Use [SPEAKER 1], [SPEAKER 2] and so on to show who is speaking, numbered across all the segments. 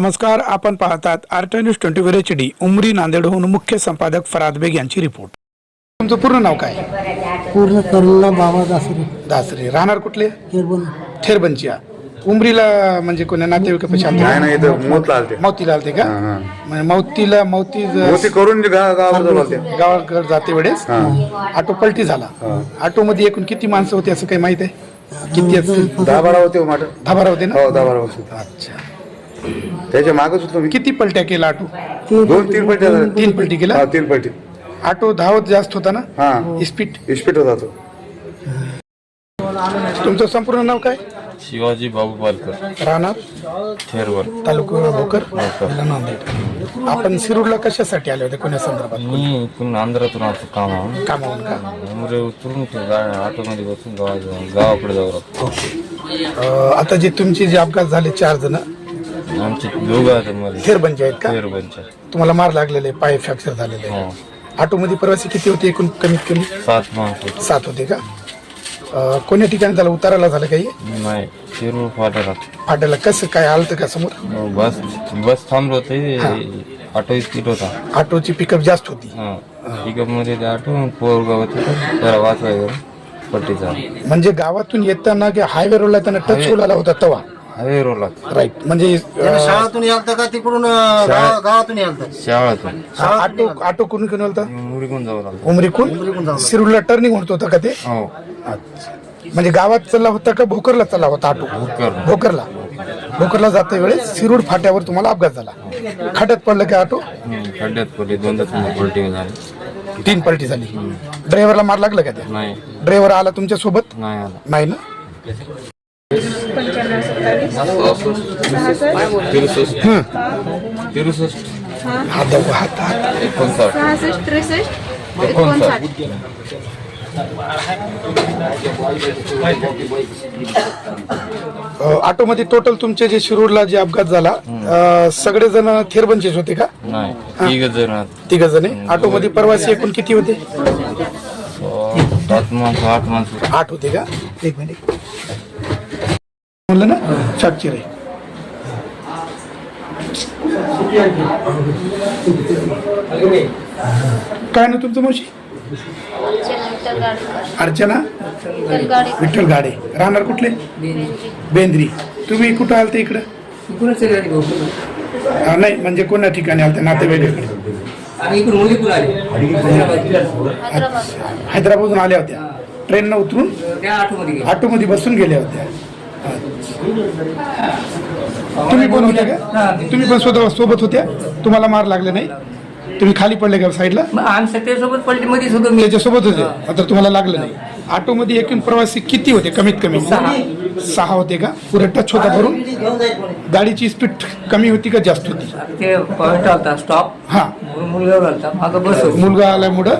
[SPEAKER 1] नमस्कार, आपण पाहतात आर्ट न्यूज 24 HD. उमरी नांदेडहून मुख्य संपादक फराद बेग यांची रिपोर्ट. तुमचं पूर्ण नाव काय?
[SPEAKER 2] पूर्ण करुणा बाबा दासरे.
[SPEAKER 1] दासरे. राहणार कुठले?
[SPEAKER 2] केरबन.
[SPEAKER 1] थेरबनच्या. उमरीला म्हणजे कोणा नातेवाईकापाशी आलते?
[SPEAKER 3] नाही इथं मोतला आलते.
[SPEAKER 1] मौतीला आलते का? म्हणजे मौती
[SPEAKER 3] करून
[SPEAKER 1] गावाकडे जाते वेळेस ऑटो पलटी झाला. ऑटो मध्ये एकूण किती माणसं होती असं काही माहित आहे? किती असतील?
[SPEAKER 3] 10-12 होते.
[SPEAKER 1] 10-12 होते ना?
[SPEAKER 3] हो, 10-12 होते.
[SPEAKER 1] अच्छा.
[SPEAKER 3] त्याच्या मागच होतो मी.
[SPEAKER 1] किती पलट्या केला ऑटो?
[SPEAKER 3] 2-3 पलटी.
[SPEAKER 1] 3 पलटी केला.
[SPEAKER 3] 3 पलटी.
[SPEAKER 1] ऑटो धावत जास्त होता ना?
[SPEAKER 3] हा,
[SPEAKER 1] स्पीड
[SPEAKER 3] होता तो.
[SPEAKER 1] तुमचं संपूर्ण नाव काय?
[SPEAKER 4] शिवाजी बाबू पालकर.
[SPEAKER 1] राहणार
[SPEAKER 4] थेरवर.
[SPEAKER 1] तालुका भोकर, जिल्हा नांदेड. आपण शिरूरला कशासाठी आले होते? कोण्या संदर्भात?
[SPEAKER 4] मी इथून आंध्रातून आलो कामावरून.
[SPEAKER 1] कामावून का?
[SPEAKER 4] उमरे उतरून ऑटोमध्ये बसून गावाकडे जाऊ लागतो.
[SPEAKER 1] आता जे तुमचे जे अपघात झाले 4 जण
[SPEAKER 4] आमचे दोघं आता मला
[SPEAKER 1] थेरबनचे आहेत का?
[SPEAKER 4] थेरवरच्या.
[SPEAKER 1] तुम्हाला मार लागलेले, पाय फ्रॅक्चर झालेले.
[SPEAKER 4] हो.
[SPEAKER 1] ऑटो मध्ये प्रवासी किती होते एकूण? कमीत कमी
[SPEAKER 4] 7 माणसं.
[SPEAKER 1] 7 होते का? कोण्या ठिकाणी झालं? उताराला झालं काही?
[SPEAKER 4] नाही, शिरूर फाट्याला.
[SPEAKER 1] फाट्याला कसं काय आलं का समोर?
[SPEAKER 4] बस थांबलो होते. ऑटो स्पीड होता.
[SPEAKER 1] ऑटोची पिकअप जास्त होती.
[SPEAKER 4] पिकअप मध्ये ते ऑटो पोरगाव होते, त्याला वाचवायचं पट्टीचा.
[SPEAKER 1] म्हणजे गावातून येताना हायवे रोडला त्यांना टच होला होता तवा.
[SPEAKER 4] हायवे रोडला.
[SPEAKER 1] राईट. म्हणजे
[SPEAKER 2] शाळातून यालता का तिकडून गावातून यालता?
[SPEAKER 4] शाळातून.
[SPEAKER 1] ऑटो कुठून घेऊन होता?
[SPEAKER 4] उमरीकडून जाऊ लागलो.
[SPEAKER 1] उमरीकून शिरूरला टर्निंग होत होता का ते?
[SPEAKER 4] हो.
[SPEAKER 1] म्हणजे गावात चालला होता का भोकरला चालला होता ऑटो? भोकरला जाते वेळेस शिरूर फाट्यावर तुम्हाला अपघात झाला. खड्ड्यात पडलं का ऑटो?
[SPEAKER 4] खड्ड्यात पडली. 2 पलटी झाली.
[SPEAKER 1] 3 पलटी झाली. ड्रायव्हरला मार लागला का त्या?
[SPEAKER 4] नाही.
[SPEAKER 1] ड्रायव्हर आला तुमच्या सोबत?
[SPEAKER 4] नाही आला.
[SPEAKER 1] नाही ना? 65. ऑटो मध्ये टोटल तुमचे जे शिरूरला जे अपघात झाला सगळेजण थेरबनचेच होते का?
[SPEAKER 4] नाही,
[SPEAKER 1] 3 जण. ऑटो मध्ये प्रवासी एकूण किती होते?
[SPEAKER 4] 8 माणसं.
[SPEAKER 1] 8 होते का? एक मिनिट म्हणलं ना, फ्रॅक्चर आहे. काय ना तुमचं मावशी? अर्चना विठ्ठल गाडे. राहणार कुठले? बेंद्री. तुम्ही कुठं आलते इकडं? नाही, म्हणजे कोणत्या ठिकाणी आलते? नातेवाईकाकडे. हैदराबादून आल्या होत्या. ट्रेननं उतरून ऑटोमध्ये बसून गेल्या होत्या. तुम्ही पण होत्या का? तुम्ही पण स्वतः सोबत होत्या? तुम्हाला मार लागले नाही? तुम्ही खाली पडले का साईडला? त्याच्यासोबत होते. आता तुम्हाला लागलं नाही. ऑटो मध्ये एकूण प्रवासी किती होते? कमीत कमी 6 होते का? पुढे टच होता भरून? गाडीची स्पीड कमी होती का जास्त होती?
[SPEAKER 5] स्टॉप.
[SPEAKER 1] हा, मुलगा आल्यामुळं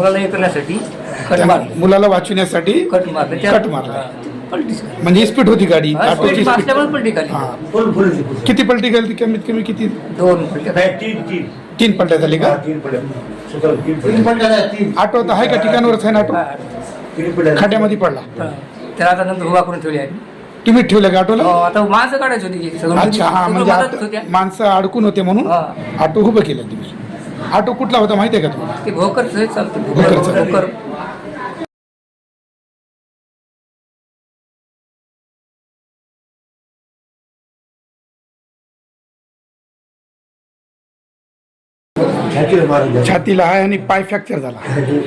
[SPEAKER 1] मुलाला वाचवण्यासाठी कट मारला. म्हणजे स्पीड होती गाडी ऑटोची स्पीड. किती पलटी गेली? कमीत कमी किती? 3 पलट्या झाली का? ऑटो तर आहे का ठिकाणावरच आहे ना? ऑटो खड्ड्यामध्ये पडला.
[SPEAKER 5] त्याला आता नंतर उभा करून ठेवली आहे.
[SPEAKER 1] तुम्ही ठेवलं का ऑटोला?
[SPEAKER 5] आता माणसं काढायची होती.
[SPEAKER 1] अच्छा. हा, म्हणजे माणसं अडकून होते म्हणून ऑटो उभं केलं तुम्ही. ऑटो कुठला होता माहिती आहे का तुम्हाला?
[SPEAKER 5] ते भोकरचं चालतं.
[SPEAKER 1] भोकर. छातीला आहे आणि पाय फ्रॅक्चर झाला.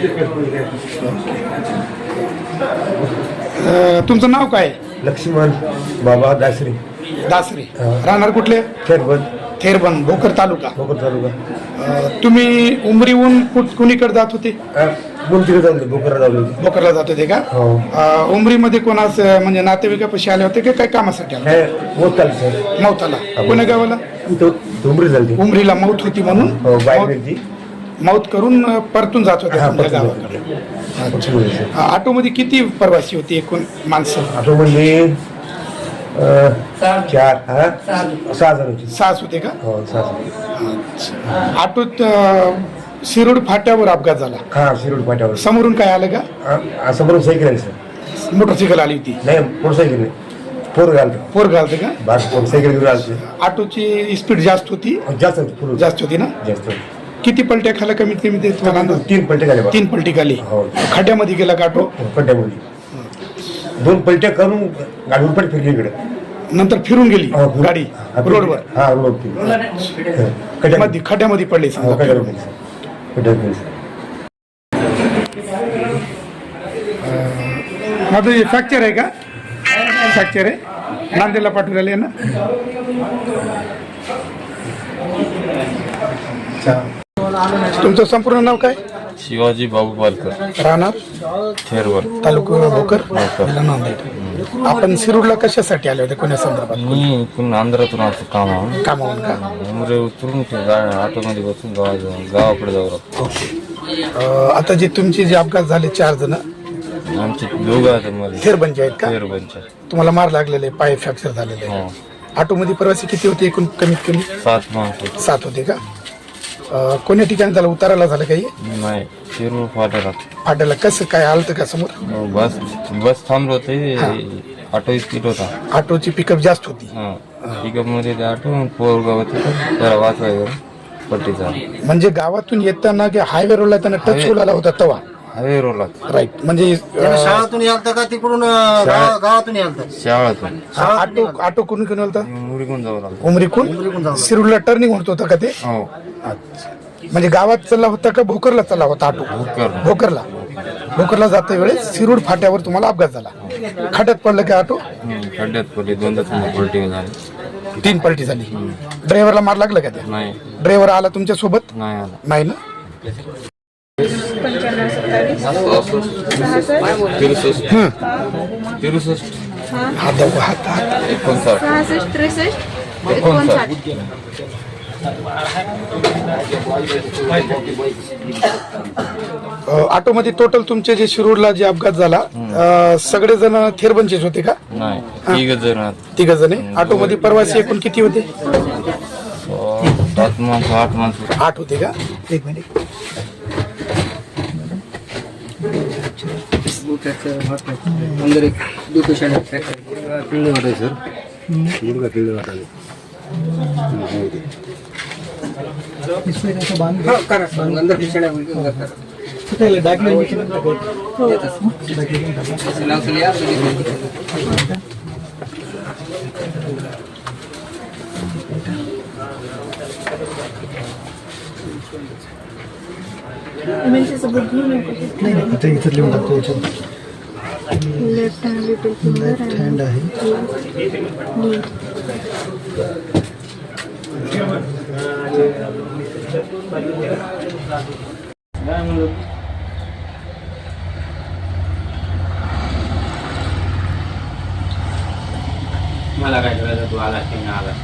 [SPEAKER 1] तुमचं नाव काय?
[SPEAKER 3] लक्ष्मण बाबा दासरे.
[SPEAKER 1] राहणार कुठले? थेरबन. भोकर तालुका. तुम्ही उमरीहून कुणीकडे जात होते? भोकरला जात होते का? उमरीमध्ये कोणाच म्हणजे नातेवाईकापाशी आले होते का? काय कामासाठी आले? मौताला. कोण्या गावाला? उमरीला मौत होती म्हणून मौत करून परतून जात होते गावाकडे. ऑटो मध्ये किती प्रवासी होते एकूण माणसं?
[SPEAKER 3] ऑटो मध्ये 6
[SPEAKER 1] होते का? ऑटोत शिरूर फाट्यावर अपघात झाला.
[SPEAKER 3] शिरूर फाट्यावर.
[SPEAKER 1] समोरून काय आलं का?
[SPEAKER 3] समोरून सायकल आहे सर.
[SPEAKER 1] मोटरसायकल आली होती?
[SPEAKER 3] नाही, मोटरसायकल नाही. पोर घालतो
[SPEAKER 1] पोर घालते का?
[SPEAKER 3] बाकी पोर सायकल घेऊन घालते
[SPEAKER 1] ऑटोची स्पीड जास्त होती,
[SPEAKER 3] जास्त होती पूर्ण
[SPEAKER 1] जास्त होती ना?
[SPEAKER 3] जास्त
[SPEAKER 1] किती पलट्या खाला कमीत कमी ते तुम्हाला अंदाज?
[SPEAKER 3] 3 पलटे झाले बा.
[SPEAKER 1] 3 पलटी खाली.
[SPEAKER 3] हो.
[SPEAKER 1] खड्ड्यामध्ये गेला का ऑटो?
[SPEAKER 3] खड्ड्यामध्ये 2 पलट्या करून गाडी उलट फिरली इकडे
[SPEAKER 1] नंतर फिरून गेली गाडी रोडवर,
[SPEAKER 3] हा रोड
[SPEAKER 1] खड्ड्यामध्ये पडली समजा. माझं हे फ्रॅक्चर आहे का? फ्रॅक्चर आहे, नांदेडला पाठवून राहिले ना? तुमचं संपूर्ण नाव काय?
[SPEAKER 4] शिवाजी बाबू पालकर,
[SPEAKER 1] राहणार
[SPEAKER 4] थेरवर.
[SPEAKER 1] तालुका भोकर, जिल्हा नांदेड. आपण शिरूरला कशासाठी आले होते, कोण्या संदर्भात?
[SPEAKER 4] मी इकडून आंध्रातून आलो कामावर.
[SPEAKER 1] कामावून का?
[SPEAKER 4] उमरे उतरून ऑटोमध्ये बसून गावाकडे जाऊ लागतो.
[SPEAKER 1] आता जे तुमचे जे अपघात झाले 4 जण
[SPEAKER 4] आमचे दोघं आहेत मध्ये
[SPEAKER 1] थेरबंचे आहेत का?
[SPEAKER 4] थेरवरच्या.
[SPEAKER 1] तुम्हाला मार लागलेले, पाय फ्रॅक्चर झालेले.
[SPEAKER 4] हो.
[SPEAKER 1] ऑटोमध्ये प्रवासी किती होते एकूण? कमीत कमी
[SPEAKER 4] 7 माणसं.
[SPEAKER 1] 7 होते का? कोण्या ठिकाणी झालं, उताराला झालं काही?
[SPEAKER 4] नाही, शिरूर फाट्याला.
[SPEAKER 1] फाट्याला कसं काय आलं का समोर?
[SPEAKER 4] बस थांबलो होते, ऑटो स्पीड होता.
[SPEAKER 1] ऑटोची पिकअप जास्त होती.
[SPEAKER 4] पिकअप मध्ये ते ऑटो पोरगाव होते, त्याला वाचवायचं पट्टीचा.
[SPEAKER 1] म्हणजे गावातून येताना की हायवे रोडला त्यांना टच होऊन होता तवा?
[SPEAKER 4] हायवे रोडला.
[SPEAKER 1] राईट. म्हणजे
[SPEAKER 2] शाळातून यालता का तिकडून गावातून यालता?
[SPEAKER 4] शाळातून.
[SPEAKER 1] ऑटो कोण कोण होता?
[SPEAKER 4] मुरीकून जाऊ लागलो.
[SPEAKER 1] उमरीकून शिरूरला टर्निंग होत होता का ते?
[SPEAKER 4] हो.
[SPEAKER 1] म्हणजे गावात चालला होता का भोकरला चालला होता ऑटो? भोकरला जाता वेळेस शिरूर फाट्यावर तुम्हाला अपघात झाला. खड्ड्यात पडलं का ऑटो?
[SPEAKER 4] खड्ड्यात पडली, 2 पलटी झाली.
[SPEAKER 1] 3 पलटी झाली. ड्रायव्हरला मार लागलं का त्या?
[SPEAKER 4] नाही.
[SPEAKER 1] ड्रायव्हर आला तुमच्या सोबत?
[SPEAKER 4] नाही आला.
[SPEAKER 1] नाही ना?
[SPEAKER 4] 63
[SPEAKER 1] हात दाखवा, हात.
[SPEAKER 4] 59
[SPEAKER 1] ऑटो मध्ये टोटल तुमचे जे शिरूरला जे अपघात झाला सगळेजण थेरबंचेच होते का?
[SPEAKER 4] नाही, 3 जण.
[SPEAKER 1] 3 जण. ऑटो मध्ये प्रवासी एकूण किती होते?
[SPEAKER 4] 7 माणसं, 8 माणसं.
[SPEAKER 1] 8 होते का? एक मिनिट.
[SPEAKER 5] अंदर एक 2 पेशंट फ्रॅक्चर.
[SPEAKER 3] सर
[SPEAKER 5] अंदर patient
[SPEAKER 6] left hand little finger hand आहे.
[SPEAKER 4] मला काय करायचं, तू आला की नाही आला?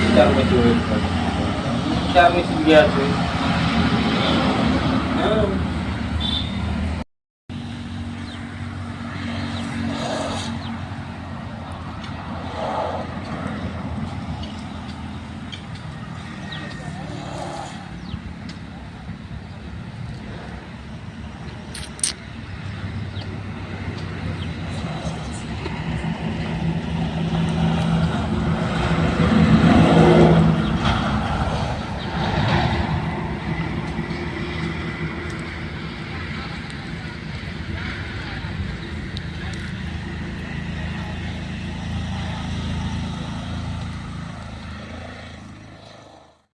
[SPEAKER 4] चार मशीन घ्यायचं.